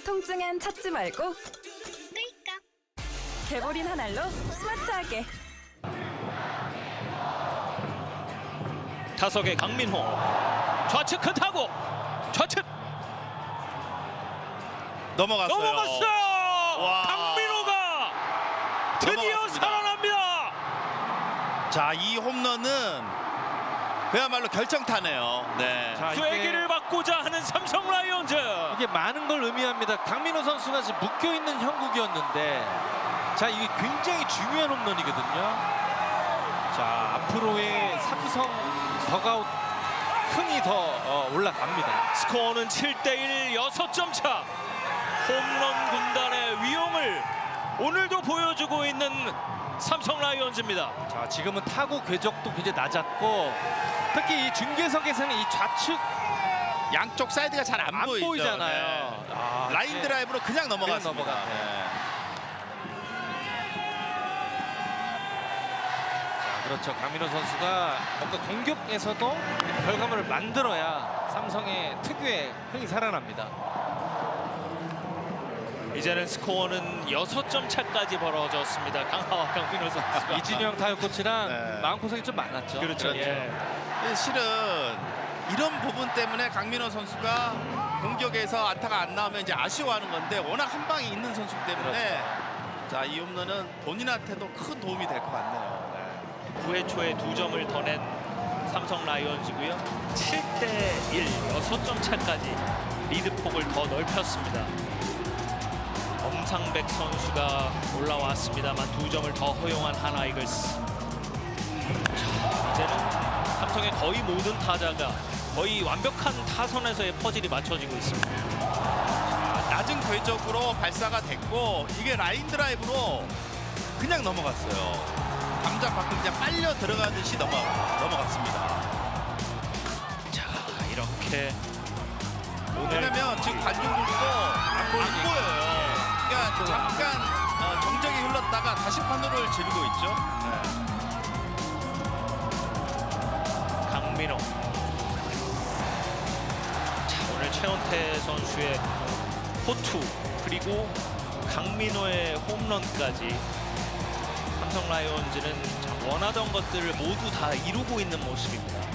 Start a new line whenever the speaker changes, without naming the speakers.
통증엔 찾지 말고
끌까?
개보린 한 알로 스마트하게.
타석의 강민호 좌측 큰 타구 좌측
넘어갔어요.
넘어갔어요.
와.
강민호가 드디어
넘어갔습니다.
살아납니다.
자, 이 홈런은 그야말로 결정타네요. 네.
자,
쐐기를 받고자 하는 삼성 라이온즈.
이게 많은 걸 의미합니다. 강민호 선수가 지금 묶여 있는 형국이었는데, 자, 이게 굉장히 중요한 홈런이거든요. 자, 앞으로의 삼성 더가웃 흥이 더 올라갑니다.
스코어는 7대1 6점 차. 홈런 군단의 위용을 오늘도 보여주고 있는 삼성 라이온즈입니다.
자, 지금은 타구 궤적도 굉장히 낮았고, 특히 이 중계석에서는 이 좌측
양쪽 사이드가 잘 안
안
보이죠.
보이잖아요.
네.
아,
라인
이게
드라이브로 그냥 넘어갔습니다.
넘어갔네요.
네.
그렇죠. 강민호 선수가 뭔가 공격에서도 결과물을 만들어야 삼성의 특유의 흥이 살아납니다.
이제는 스코어는 6점 차까지 벌어졌습니다. 강하와 강민호 선수가.
이진영 타격 코치랑
네.
마음고생이 좀 많았죠.
그렇죠.
그렇죠.
예.
실은 이런 부분 때문에 강민호 선수가 공격에서 안타가 안 나오면 이제 아쉬워하는 건데, 워낙 한 방이 있는 선수 때문에 자, 이 홈런은 본인한테도 큰 도움이 될 것 같네요. 네.
9회 초에 2점을 더 낸 삼성 라이온즈고요. 7대1 6점 차까지 리드폭을 더 넓혔습니다. 엄상백 선수가 올라왔습니다만 2점을 더 허용한 하나이글스. 자, 이제는 삼성의 거의 모든 타자가 거의 완벽한 타선에서의 퍼즐이 맞춰지고 있습니다.
낮은 궤적으로 발사가 됐고, 이게 라인 드라이브로 그냥 넘어갔어요. 감자 밖으로 그냥 빨려 들어가듯이 넘어갔습니다.
자, 이렇게 오늘
왜냐면 지금 관중들도 안 보여요. 그러니까 잠깐 정적이 흘렀다가 다시 판도를 지르고 있죠.
강민호. 자, 오늘 최원태 선수의 호투 그리고 강민호의 홈런까지 삼성 라이온즈는 원하던 것들을 모두 다 이루고 있는 모습입니다.